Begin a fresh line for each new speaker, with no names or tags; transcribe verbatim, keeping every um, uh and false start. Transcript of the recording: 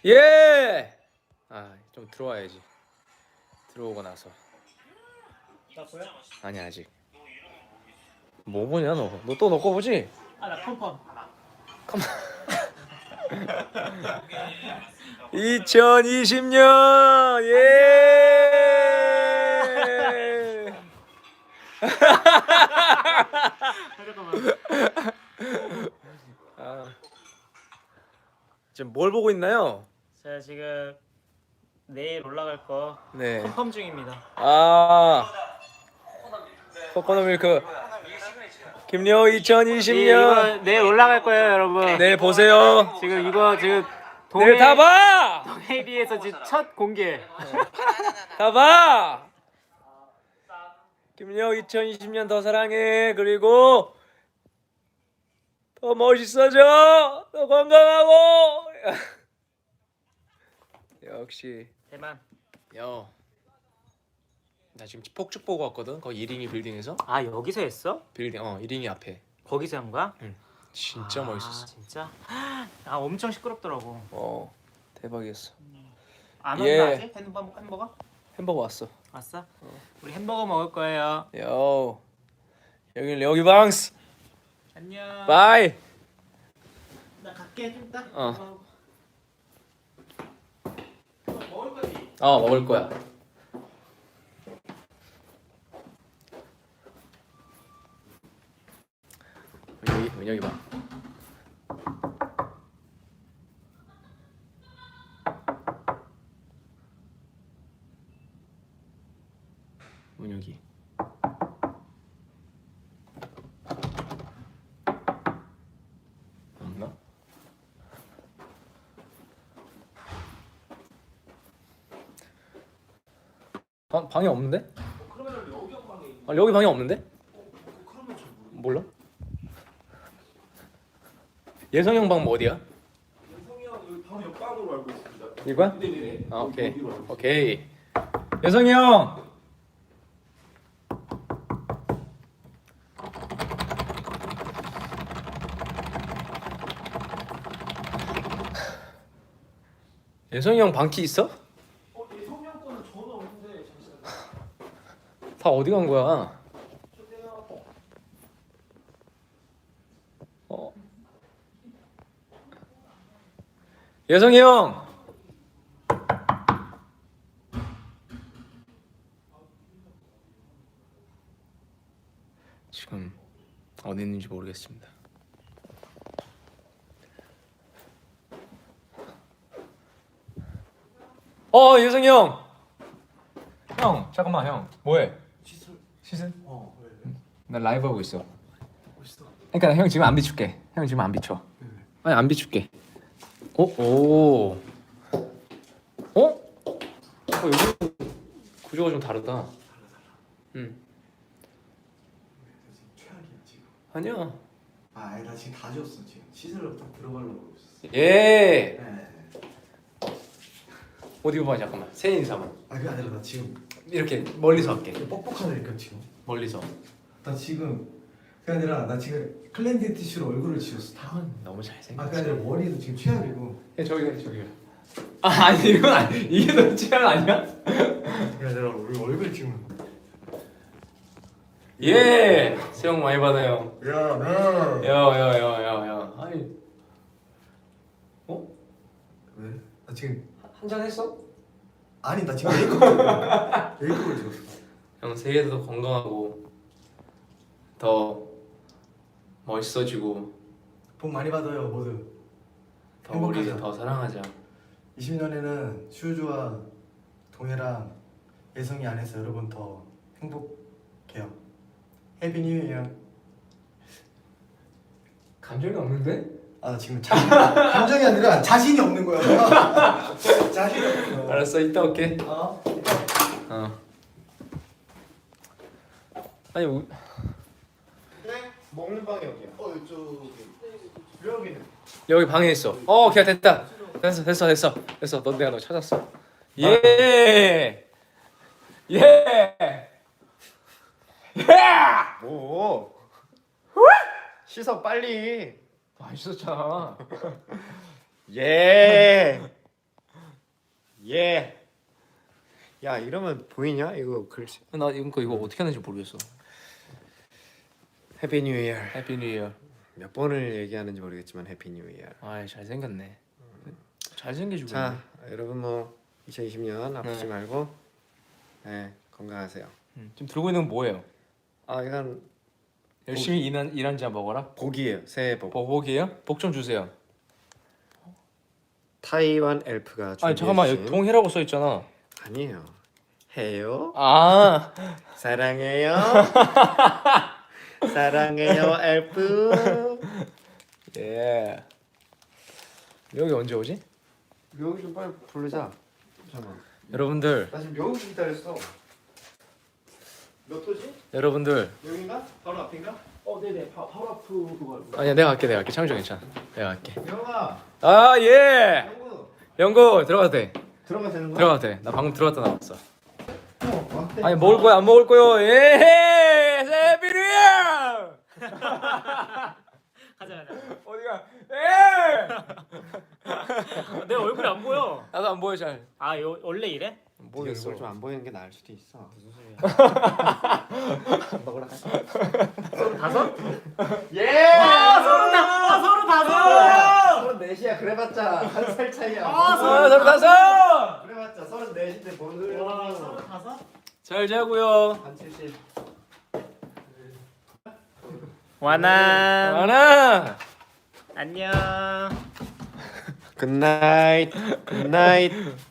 예. 아, 좀 들어와야지. 들어오고 나서.
나 보여?
아니 아직. 뭐 보냐 너? 너 또 너 거 보지?
아나 컴펌.
이천이십 년 예.
잠깐만.
아, 지금 뭘 보고 있나요?
제가 지금 내일 올라갈 거
네.
컴펌 중입니다.
아, 코코넛 밀크. 김여우 이천이십
이-
년.
이거 내일 올라갈 거예요, 여러분.
내일 보세요.
지금 이거 지금
내일 다 봐.
동해리에서 지금 첫 공개.
다 봐. 김여우 이천이십 년 더 사랑해. 그리고 더 멋있어져. 더 건강하고. 역시.
대만.
여. 나 지금 폭죽 보고 왔거든. 거기 이링이 빌딩에서.
아 여기서 했어?
빌딩 어 이링이 앞에.
거기서 한 거야?
응. 진짜
아,
멋있었어.
진짜? 아 엄청 시끄럽더라고.
어 대박이었어.
안
예.
온다 아직? 햄버거? 햄버거?
햄버거 왔어.
왔어? 우리 햄버거 먹을 거예요.
요. 여기 여기 방스.
안녕.
바이.
나 갈게 좀 이따.
어.
먹을 거지?
어 먹을 거야. 여기 여기 봐. 문 여기. 없나? 방 방이 없는데?
그러면 여기 방에.
아 여기 방이 없는데?
그러면 저
몰라? 예성이 형 방 뭐 어디야?
성이 형 여기 바로 옆방으로 알고 있습니다.
이거야?
네네네.
아 오케이
여기로 알고 있습니다.
오케이. 예성이 형. 예성이 형 방키 있어?
어, 예, 성이 형 거는 전화 오는데 잠시만요.
다 어디 간 거야?
저기요.
어. 예성이 형. 지금 어디 있는지 모르겠습니다. 어 예성이 형. 형 잠깐만 형 뭐해?
시술.
시즌?
어, 왜?
나 라이브 하고 있어.
멋있어.
그러니까 형 지금 안 비출게. 형 지금 안 비춰.
네.
아니 안 비출게. 어? 오. 어? 어 여기 구조가 좀 다르다. 응.
지금 최악이야 지금.
아니야.
아, 아니, 나 지금 다 지웠어 지금. 시술로 딱 들어가려고 있었어.
예.
네.
어디 봐 잠깐만. 새 인사만.
아, 그게 아니라 나 지금
이렇게 멀리서 할게.
뻑뻑하다니까 지금.
멀리서.
나 지금 그게 아니라 나 지금 클렌징 티슈로 얼굴을 지웠어 다.
형은 너무
아, 그게
잘생겼어.
아니라 머리도 지금 최악이고.
야 저기 저기. 아 아니 이건 아니 이게 너 취향 아니야?
그게 아니라 우리 얼굴 지금.
예. 새해 복 많이 받아요.
야, 네.
야야야야야. 아니. 어?
왜? 나 지금
한 잔 했어?
아니 나 지금 메이크업 찍어. 메이크업을 찍었어.
형 새해도 더 건강하고 더 멋있어지고
복 많이 받아요 모두.
더 우리
행복하자.
더 사랑하자.
이십 년에는 슈즈와 동해랑 예성이 안에서 여러분 더 행복해요. 해피 뉴 이어.
감정이 없는데?
아 지금 자신, 감정이 아니라 자신이 없는 거야. 자신이 없는 거야.
알았어 이따 올게.
어?
어. 아니 우...
네? 먹는 방이 어디야? 어 이쪽에. 여기는.
여기 방에 있어. 어 그냥 됐다. 됐어 됐어 됐어 됐어. 넌 내가 너 찾았어. 예. 예. 예.
뭐? 씻어 빨리.
맛있었잖아.
예. 야 이러면 보이냐? 이거 글씨.
나 이거 이거 어떻게 하는지 모르겠어.
해피 뉴 이어.
해피 뉴 이어.
몇 번을 얘기하는지 모르겠지만 해피 뉴 이어.
아, 잘생겼네. 잘생겨지고.
자 여러분 뭐 이천이십 년 아프지
네.
말고 네 건강하세요.
음, 지금 들고 있는 건 뭐예요?
아 이건
열심히 일한 일한 자 먹어라.
복이에요. 새해 복.
복이에요? 복 좀 주세요.
타이완 엘프가
아니 잠깐만 여기
준비해주신-
동해라고 써 있잖아.
아니에요. 해요.
아,
사랑해요. 사랑해요 엘프.
예. 여기 언제 오지?
묘기 좀 빨리 부르자. 잠깐만.
여러분들,
나 지금 묘기 기다렸어. 몇 호지?
여러분들.
여긴가? 바로 앞인가?
어, 네네. 바, 바로 앞으로 그거.
아니야, 내가 갈게, 내가 갈게. 창조 괜찮아. 내가 갈게.
영아.
아, 예.
영구.
영구 들어가도 돼.
들어가도 되는 거야?
들어가도 돼. 나 방금 들어갔다 나왔어.
어, 왔대.
아니 먹을 거야, 안 먹을 거요? 예. 세비리야.
가자 가자.
어디가? 예.
내 얼굴이 안 보여.
나도 안 보여 잘.
아, 요, 원래 이래?
모르겠어.
얼굴 좀안 보이는 게 나을 수도 있어.
무슨 소리야?
먹으러 가.
서른 다섯?
예!
아, 서른 다. 아, 서른 다섯.
서른 넷이야. 그래봤자 한 살 차이야.
아,
아, 서른 다섯.
그래봤자 서른 넷인데 뭔
와,
소리야?
서른 다섯?
잘 자고요.
한 칠십.
와나.
하나.
안녕.
굿나잇. 굿나잇.